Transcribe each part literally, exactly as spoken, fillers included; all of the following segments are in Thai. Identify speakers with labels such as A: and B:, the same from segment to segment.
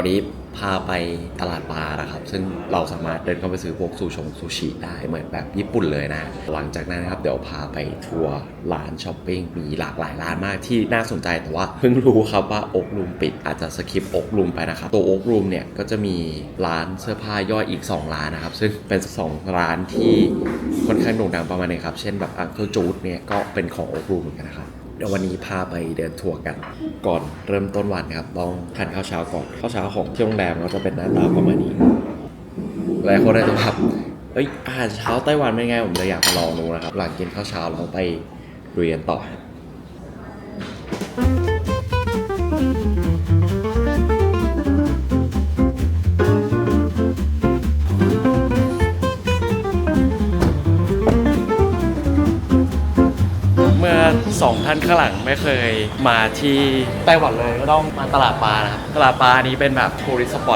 A: วันนี้พาไปตลาดปลานะครับซึ่งเราสามารถเดินเข้าไปซื้อพวกซูชงซูชิได้เหมือนแบบญี่ปุ่นเลยนะหลังจากนั้นนะครับเดี๋ยวพาไปทัวร์ร้านช้อปปิ้งมีหลากหลายร้านมากที่น่าสนใจแต่ว่าเพิ่งรู้ครับว่าโอ๊กรูมปิดอาจจะสคิปโอ๊กรูมไปนะครับตัวโอ๊กรูมเนี่ยก็จะมีร้านเสื้อผ้าย่อยอีกสองร้านนะครับซึ่งเป็นสองร้านที่ค่อนข้างโด่งดังประมาณนึงครับเช่นแบบอังเคิลจูดเนี่ยก็เป็นของโอ๊กรูมเหมือนกันนะครับเดี๋ยววันนี้พาไปเดินทัวร์กันก่อนเริ่มต้นวันครับต้องทานข้าวเช้าก่อนข้าวเช้าของที่โรงแรมก็จะเป็นหน้าตาประมาณนี้หลายคนอาจจะแบบเอ้ยอาหารเช้าไต้หวันเป็นไงผมเลยอยากมาลองดูนะครับหลังกินข้าวเช้าเราไปเรียนต่อเมื่อสองท่านข้างหลังไม่เคยมาที่ไต้หวันเลยก็ต้องมาตลาดปลานะครับตลาดปลานี้เป็นแบบทัวริสต์สปอต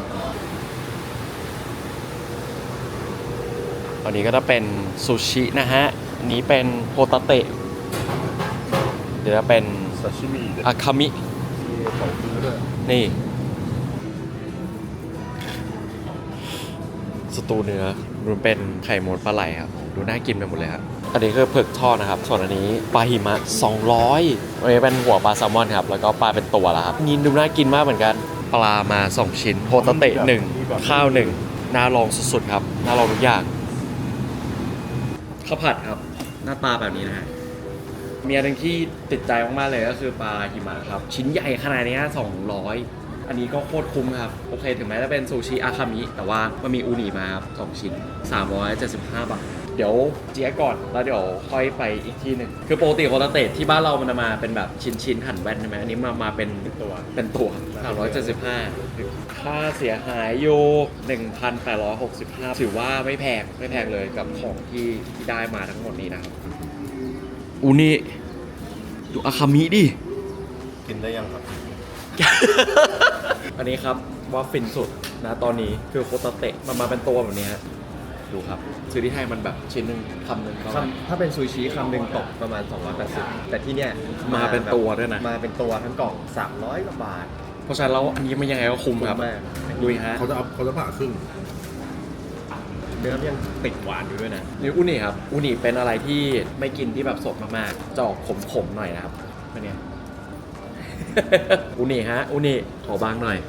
A: อันนี้ก็จะเป็นซูชินะฮะอันนี้เป็นโฮตาเตะเดี๋ยวจะเป็นซาชิมิอาคามินี่สตูเนื้อมันเป็นไข่มดปลาไหลครับดูน่ากินไปหมดเลยครับอันนี้คือเผือกทอดนะครับส่วนอันนี้ปลาหิมะสองร้อยอันนี้เป็นหัวปลาแซลมอนครับแล้วก็ปลาเป็นตัวแล้วครับยินดูน่ากินมากเหมือนกันปลามาสองชิ้นโฮตาเตะหนึ่งข้าวหนึ่งน่าลองสุดๆครับน่าลองทุกอย่างข้าวผัดครับหน้าตาแบบนี้นะฮะมีอันหนึ่งที่ติดใจมากๆเลยก็คือปลาหิมะครับชิ้นใหญ่ขนาดนี้สองร้อยอันนี้ก็โคตรคุ้มครับโอเคถึงแม้จะเป็นซูชิอาคามิแต่ว่ามันมีอูนิมาครับสองชิ้นสามร้อยเจ็ดสิบห้าบาทเดี๋ยวเจี๊ยก่อนแล้วเดี๋ยวค่อยไปอีกที่หนึ่งคือปกติโฮตาเตะที่บ้านเรามันมาเป็นแบบชิ้นๆหั่นแว่นใช่ไหมอันนี้มามาเป็นตัวเป็นตัวสามร้อยเจ็ดสิบห้าค่าเสียหายอยู่ หนึ่งพันแปดร้อยหกสิบห้า ถือว่าไม่แพงไม่แพงเลยกับของที่ที่ได้มาทั้งหมดนี้นะครับอูนี่ดูอาคามิดิ
B: กินได้ยังครับ
A: อันนี้ครับว่าฟินสุดนะตอนนี้คือโคตาเตะมันมาเป็นตัวแบบนี้ฮะดูครับซื้อที่ไทยมันแบบชิ้นหนึ่งคำหนึ่ง
C: คำถ้าเป็นซูชิคำหนึ่งตกประมาณสองร้อยแปดสิบแต่ที่เนี้ย
A: มาเป็นตัวด้วยนะ
C: มาเป็นตัวทั้งกล่องสามร้อยกว่าบาท
A: เพราะฉะนั้นแล้วอันนี้มันยังไงก็คุ้มครับดูฮะ
B: เขาจะเอาเขาจะผ่าครึ่ง
C: เนื้อยังติดหวานอยู่ด้วยนะ
A: นี่อูนิครับอูนิเป็นอะไรที่ไม่กินที่แบบสดมากๆจะออกขมๆหน่อยนะครับอันเนี้ย อูนิฮะอูนิขอบางหน่อย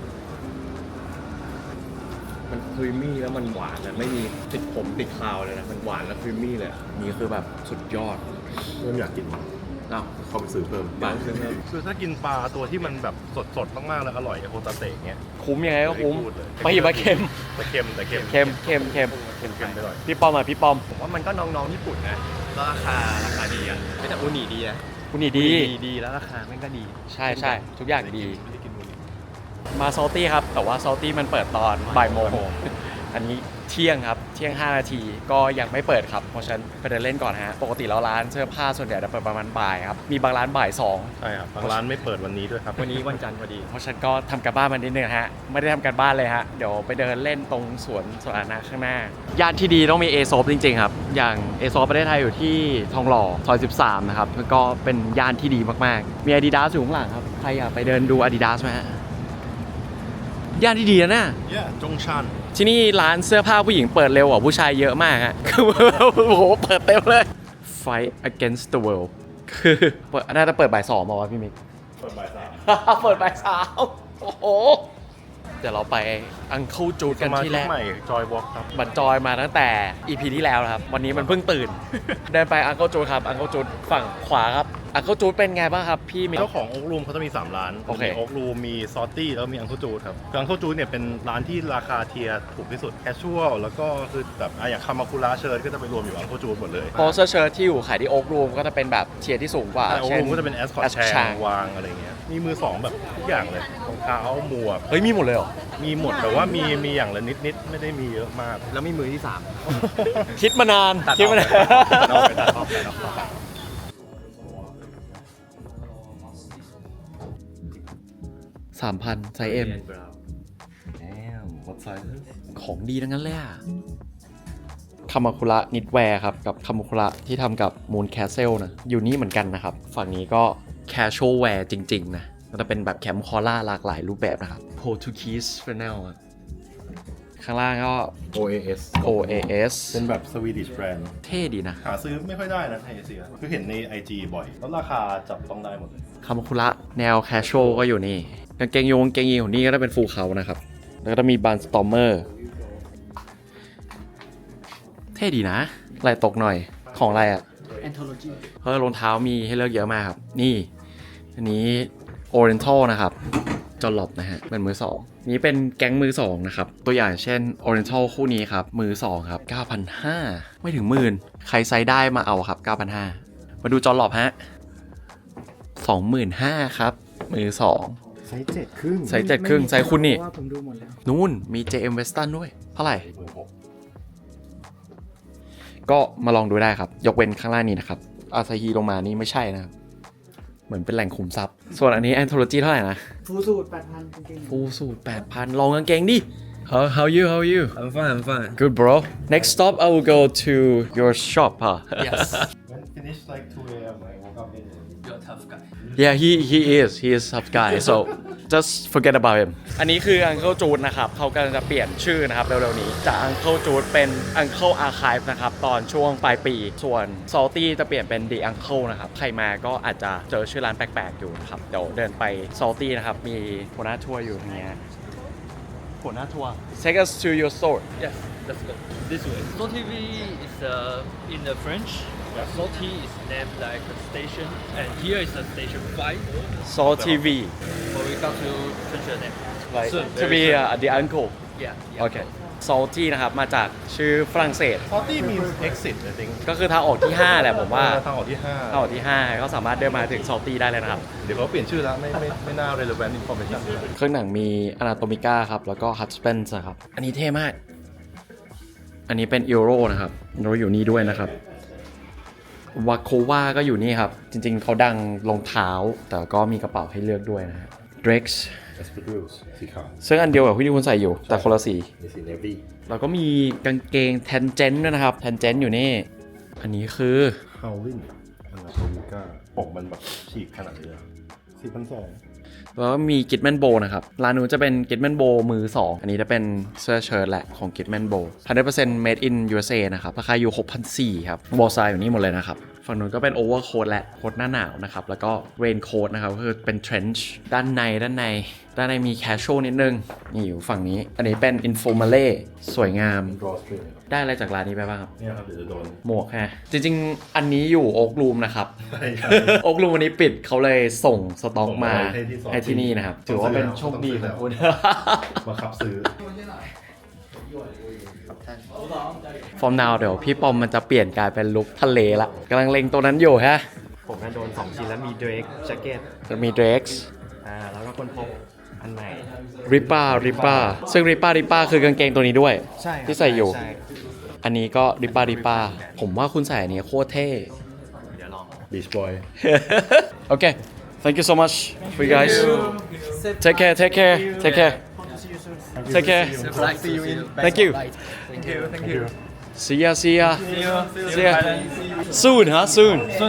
C: มันครีมมี่แล้วมันหวานนะไม่มีติดผมติดคาวเลยนะมันหวานแล้วครีมมี่เลย
A: นี่คือแบบสุดยอด
B: เริ่มอยากกิน
A: เอ้า
B: เข้าไปซื้อเพิ่ม
A: บ้านซื้อเพิ่ม
B: คือถ้ากินปลาตัวที่มันแบบสดๆมากๆแล้วอร่อยอย่างโฮตาเตะเงี้ย
A: คุ้มยังไงก็คุ้มไปหิมะเค็ม
B: แต่เค็มแต่เค็ม
A: เค็มเค็มเค็ม
B: เค็มเค็มไปหน่อย
A: พี่ปอมอ่ะพี่ปอม
C: ผมว่ามันก็น้องๆญี่ปุ่นนะราคาราคาดีอ่ะแต่อูนิดีนะ
A: อูนิดี
C: ดีแล้วราคาแม่งก็ดี
A: ใช่ใช่ทุกอย่างดีมาซอลตี้ครับแต่ว่าซอลตี้มันเปิดตอนบ่ายโมงอันนี้เที่ยงครับเที่ยงห้านาทีก็ยังไม่เปิดครับเพราะฉะนั้นไปเดินเล่นก่อนฮะปกติแล้วร้านเสื้อผ้าส่วนใหญ่จะเปิดประมาณบ่ายครับมีบางร้านบ่ายสอง
B: ใช่ครับบางร้านไม่เปิดวันนี้ด้วยครับ
C: วันนี้วันจันทร์พอดี
A: เพราะฉะนั้นก็ทำการบ้านมานิดนึงฮะไม่ได้ทำการบ้านเลยฮะเดี๋ยวไปเดินเล่นตรงสวนสาธารณะข้างหน้าย่านที่ดีต้องมีเอโซฟจริงๆครับอย่างเอโซฟประเทศไทยอยู่ที่ทองหล่อซอยสิบสามนะครับก็เป็นย่านที่ดีมากๆมี Adidas อยู่ข้างหลังครับใครอยากไปเดินดู Adidas ไหมฮะย่านที่ดีนะเนี่ย
B: จงชัน
A: ที่นี่ร้านเสื้อผ้าผู้หญิงเปิดเร็วกว่าผู้ชายเยอะมากฮะคือโอ้โหเปิดเต็มเลย Fight Against the World คือเปิดน่าจะเปิดบ่ายสองมาวะพี่มิก
B: เปิดบ่ายสาม
A: เปิดบ่ายสามโอ้โหเดี๋ยวเราไปอังเคิลจูดกันที่แรก
B: ใหม่จอยวอล์กครับ
A: บันจอยมาตั้งแต่ อี พี ที่แล้วครับวันนี้มันเพิ่งตื่นเดินไปอังเคิลจูดครับอังเคิลจูดฝั่งขวาครับอังเคิลจูดเป็นไงบ้างครับพี่มิก
B: เจ้าของโอ๊กรูมเขาจะมีสามร้าน
A: โอเค
B: โอ๊กรูมมีซอตตี้แล้วมีอังเคิลจูดครับคืออังเคิลจูดเนี่ยเป็นร้านที่ราคาเทียร์ถูกที่สุดแคชชวลแล้วก็คือแบบอย่างคามาคุระเชิร์ตก็จะไปรวมอยู่อังเคิลจูดหมดเลย
A: โพสเชิร์ตที่อยู่ขายที่โอ๊กรูมก็จะเป็นแบบเทียร์ที่สูงกว่า
B: โอ๊กรูมก็จะเป็นแอสคอร์ตแชร์วางอะไรเงี้ยมีมือสองแบบทุกอย่างเลยรองเท้าหมวก
A: เฮ้ยมีหมดเลยเหรอ
B: มีหมดแต่ว่ามีมีอย่างละนิดๆไม่ได้มีเยอะมาก
C: แล้วมีมือที่สาม
A: คิดมานานคิดมานานสามพันไซส์ M ของดีทั้งนั้นเลยอะคามาคุระนิดแวร์ครับกับคามาคุระที่ทำกับมูนแคสเซิลนะอยู่นี่เหมือนกันนะครับฝั่งนี้ก็แคชชวลแวร์จริงๆนะก็จะเป็นแบบแคมคอล่าหลากหลายรูปแบบนะครับ Portuguese Fennel อะข้างล่างก็
B: โอ เอ เอส
A: โอ เอ เอส
B: เป็นแบบสวีดิชแบรนด์
A: เท่ดีนะ
B: หาซื้อไม่ค่อยได้นะในเอเชียคือเห็นใน ไอ จี บ่อย แล้วราคาจับต้องได้หมดเลย
A: คามาคุระแนวแคชช a l ก็อยู่นี่กางเกงโยงกางเกงยีนของนี่ก็จะเป็นฟูลเขานะครับ แล้วก็จะมีบันสตอมเมอร์เท่ดีนะลายตกหน่อยของอะไรอ่ะ
D: Anthology
A: เพราะรองเท้ามีให้เลือกเยอะมากครับ นี่ อันนี้ Oriental นะครับจอลลอบนะฮะเป็นมือสองนี้เป็นแก๊งมือสองนะครับ ตัวอย่างเช่น Oriental คู่นี้ครับ มือสองครับ เก้าพันห้าร้อย ไม่ถึงหมื่นใครไซส์ได้มาเอาครับ เก้าพันห้าร้อย มาดูจอลลอบฮะ สองหมื่นห้าพัน ครับ มือสอง
B: ไซส์เจ็ดครึ่ง
A: ไซส์เจ็ดครึ่งไซส์คุณนี่
D: เพราะว่าผมดูหมดแล้ว
A: นู่นมี เจ เอ็ม Western ด้วย เท่าไหร่ ก็มาลองดูได้ครับ ยกเว้นข้างล่างนี้นะครับอาซาฮีลงมานี่ไม่ใช่นะครับ เหมือนเป็นแหล่งขุมทรัพย์ ส่วนอันนี้ Anthology เท่าไหร่นะ
D: ฟูสูตรแปดพันจริง
A: ฟูสูตร แปดพัน ลองกางเกงดิ How how you how you
E: I'm fine, I'm fine.
A: Good bro Next stop I will go to your shop huh
E: Yes.
B: When finish like two a.m. I woke up in
E: You're a tough guy.
A: Yeah he he is he is tough guy so just forget about him อันนี้คือ Uncle Jude นะครับเขากำลังจะเปลี่ยนชื่อนะครับเร็วๆนี้จาก Uncle Jude เป็น Uncle Archive นะครับตอนช่วงปลายปีส่วน Salty จะเปลี่ยนเป็น The Uncle นะครับใครมาก็อาจจะเจอชื่อร้านแปลกๆอยู่นะครับเดี๋ยวเดินไป Salty นะครับมีหัวหน้าทัวร์อยู่ตรงนี้หัวหน้าทัวร์ Take us to your store
E: Yes, let's go. This way. Slow T V is uh, in the French. Slow T is named like a station, and here is a station five.
A: Salt ที วี
E: But we come to change the name.
A: like
E: Soon,
A: to
E: very
A: be
E: soon.
A: uh, the uncle
E: Yeah. yeah
A: โอเค Salty นะครับมาจากชื่อฝรั่งเศส
B: forty means exit I think
A: ก็คือทางออกที่ ห้า แหละผมว่า
B: ทางออกที่ห้า
A: ทางออกที่ ห้า ก็สามารถเดินมาถึง Salty ได้เลยนะครับ
B: เดี๋ยวเขาเปลี่ยนชื่อแล้วไม่ไม่ไม่น่า relevant information
A: เครื่องหนังมี Anatomica ครับ แล้วก็ Husbands นะครับ อันนี้เท่มาก อันนี้เป็น Euro นะครับเราอยู่นี่ด้วยนะครับ วาโควาก็อยู่นี่ครับ จริงๆ เขาดังรองเท้า แต่ก็มีกระเป๋าให้เลือกด้วยนะฮะ Drex
B: Espadrilles สีขาว
A: ซึ่งอันเดียวกับที่คุณใส่อยู่ แต่คนละสี
B: มีสี navy
A: แล้วก็มีกางเกง Tangent ด้วยนะครับ Tangent อยู่นี่ อันนี้คือ
B: Howlin อันนาโตมิก้าปกมันแบบฉีกขนาดนี้สี่พันสอง
A: แล้วก็มี Gitman Bow นะครับ ร้านนู้นจะเป็น Gitman Bow มือสอง อันนี้จะเป็นเสื้อเชิ้ตแหละของ Gitman Bow หนึ่งร้อยเปอร์เซ็นต์ made in ยู เอส เอ นะครับ ราคาอยู่ หกพันสี่ร้อย ครับบอลไซอยู่นี่หมดเลยนะครับ ฝั่งนู้นก็เป็น overcoat แหละโค้ทหน้าหนาวนะครับ แล้วก็ raincoat นะครับก็คือเป็น trench ด้านในด้านใน ด้านในมี casual นิดนึง นี่อยู่ฝั่งนี้ อันนี้เป็น informale สวยงาม
B: drawstring
A: ได้อะไรจากร้านนี้ไปบ้างครับ
B: เนี่ยครับเดี๋ยวจะโดน
A: หมวกฮะ จริงๆ อันนี้อยู่โอ๊กรูมนะครับ
B: ใช่ครับ
A: โอ๊กรูมวันนี้ปิดเขาเลยส่งสต็อก
B: ส่ง
A: มา
B: มาให้ที่
A: ให้ที่นี่นะครับ ถือว่าเป็นโชคดีของคุณ
B: มาขับซื้อ
A: ฟอร์มนาวเดี๋ยวพี่ปอมมันจะเปลี่ยนกลายเป็นลุคทะเลละกำลังเล็งตัวนั้นอยู่ฮะ
C: ผมน่าโดนสองชิ้นแล้วมีเดรกแจ็คเก็ต
A: จะมี Drex
C: อ่าแล้วก็คนพบอันใหม่
A: Ripa Ripa ซึ่ง Ripa Ripa คือกางเกงตัวนี้ด้วย
C: ใช่ครับ
A: ที่ใส่อยู่
C: ใช่
A: อันนี้ก็ Ripa Ripa ผมว่าคุณใส่อันนี้โคตรเท่
C: เดี๋ยวลอง
B: Beach Boy
A: โอเค thank you so much for you guys take care take care take care take care
E: Like, see you in
A: thank you
E: Thank you. Thank you.
A: see ya see ya
E: See you.
A: see ya soon ฮะ soon
E: Soon.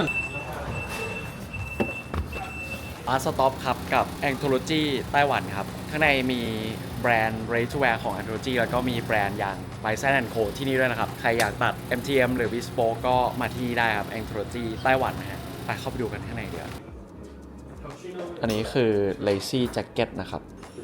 A: อาร์ตสต็อปครับกับ Anthology ไต้หวันครับ ข้างในมีแบรนด์ Ready to Wear ของ Anthology แล้วก็มีแบรนด์อย่าง Bison แอนด์ Co ที่นี่ด้วยนะครับ ใครอยากตัด เอ็ม ที เอ็ม หรือ Bespoke ก็มาที่นี่ได้ครับ Anthology ไต้หวันนะฮะไปเข้าไปดูกันข้างในเดี๋ยวอันนี้คือ Lazy Jacket นะครับ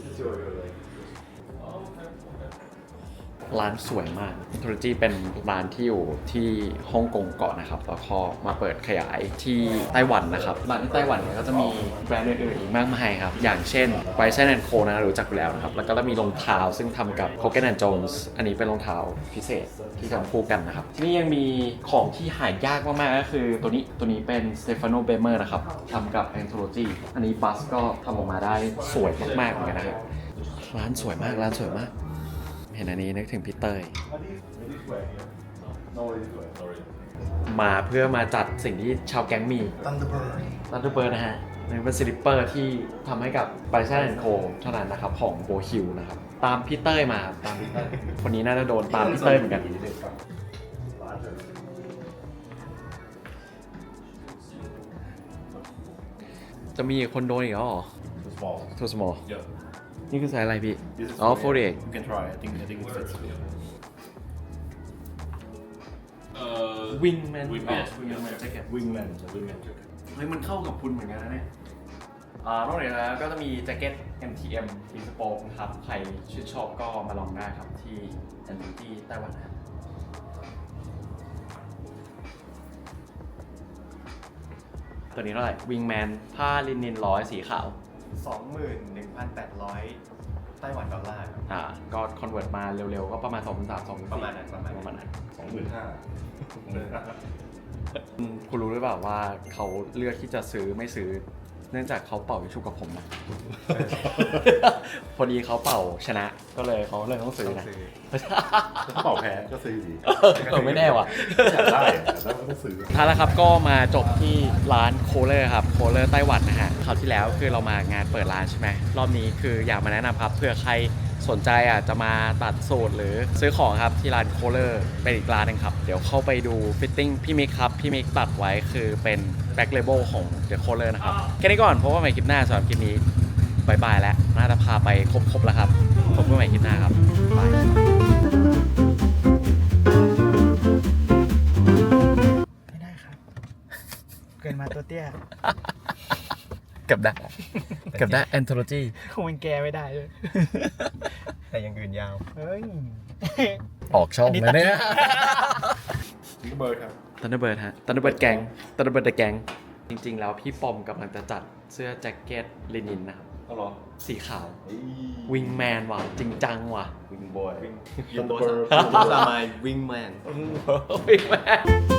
A: ร้านสวยมาก Anthology เป็นร้านที่อยู่ที่ฮ่องกงก่อนนะครับ แล้วก็มาเปิดขยายที่ไต้หวันนะครับร้านที่ไต้หวันเนี่ยก็จะมีแบรนด์อื่นๆอีกมากมายครับ อย่างเช่น Bison แอนด์ Co นะรู้จักอยู่แล้วนะครับ แล้วก็จะมีรองเท้าซึ่งทำกับ Hogan แอนด์ Jones อันนี้เป็นรองเท้าพิเศษที่ทำคู่กันนะครับ ที่นี่ยังมีของที่หายากมากๆก็คือตัวนี้ตัวนี้เป็น Stefano Bemer นะครับทำกับ Anthology อันนี้บัสก็ทำออกมาได้สวยมากๆเหมือนกันนะครับร้านสวยมากร้านสวยมากเห็นอันนี้นึกถึงพี่เตยมาเพื่อมาจัดสิ่งที่ชาวแก๊งมี
B: Thunderbird
A: Thunderbird นะฮะนี่เป็นสลิปเปอร์ที่ทำให้กับ Bison แอนด์ Co เท่านั้นนะครับของโบฮิลนะครับตามพี่เตยมาตามพี่เตยคนนี้น่าจะโดนตามพี่เตยเหมือนกันจะมีคนโดนอีกแล้วเหรอ
B: small
A: too small
B: yeah
A: นี่คือไซส์อะไรพี่
B: This is
A: อ๋อ
B: forty-eight.
A: forty-eight
B: You can try I think I think it fits
E: Uh,
A: wingman
E: Wingman.
A: wingman jacket
B: wingman wingman jacket
A: เฮ้ยมันเข้ากับคุณเหมือนกันนะเนี่ยอ่านอกจากนั้นก็จะมีแจ็คเก็ต เอ็ม ที เอ็ม ทีสโป๊กนะครับ ใครชื่นชอบก็มาลองได้ครับที่แอนตี้ไต้หวันนะตัวนี้เท่าไหร่ Wingman ผ้าลินินร้อยสีขาว
C: สองหมื่นหนึ่งพันแปดร้อยไต้หวันดอลลาร์ครับ
A: อ่า ก็คอนเวิร์ตมาเร็วๆ ก็ประมาณสองพันสาม สองพันสี่
C: ประมาณนั้นประมาณนั้น
A: ประมาณนั้น
B: สองหมื่นห้า
A: คุณรู้หรือเปล่าว่าเขาเลือกที่จะซื้อไม่ซื้อ เนื่องจากเขาเป่ายิงฉุบกับผมนะ พอดีเขาเป่าชนะก็เลยเขาเลยต้องซื้อนะ
B: ถ้าเป่าแพ้ก็ซื้อดี
A: เออไม่แน่ว่ะ
B: อยากได้อะแล้วก็ซื้อ
A: ท้ายแล้วครับก็มาจบที่ร้านโคเลอร์ครับโคเลอร์ไต้หวันนะฮะคราวที่แล้วคือเรามางานเปิดร้านใช่ไหมรอบนี้คืออยากมาแนะนำครับเผื่อใครสนใจอ่ะจะมาตัดสูตรหรือซื้อของครับที่ร้านโคเลอร์เป็นอีกร้านหนึงครับ เดี๋ยวเข้าไปดูฟิตติ้งพี่มิกครับ พี่มิกตัดไว้คือเป็นแบ็คเลเบลของเดอะโคเลอร์นะครับแค่นี้ก่อนเพราะว่าใหม่คลิปหน้าสำหรับคลิปนี้บายบายแล้วน่าจะพาไปครบๆแล้วครับพบกันใหม่คลิปหน้าครับบาย
D: ไม่ได้ครับ เกินมาตัวเตี้ย
A: กับได้กับได้แอนโทโลจี
D: คงเป็นแกไม่ได้ด้วย
C: แต่อยังอื่นยาว
D: เฮ้ย
A: ออกช่องแล้วเนี่ย
B: นี่ก็เบิร์ดครับ
A: ตันเดอร์เบิร์ดฮะตันเดอร์เบิร์ดแกงตันเดอร์เบิร์ดเดอะแกงจริงๆ แล้วพี่ปอมกำลังจะจัดเสื้อแจ็คเก็ตลินินนะครับ
B: เอาเหรอ
A: สีขาว วิงแมนว่ะ จริงจังว่ะ
C: วิงบอย
B: Thunderbird
C: ตัวสามายวิงแมน
A: วิงแมน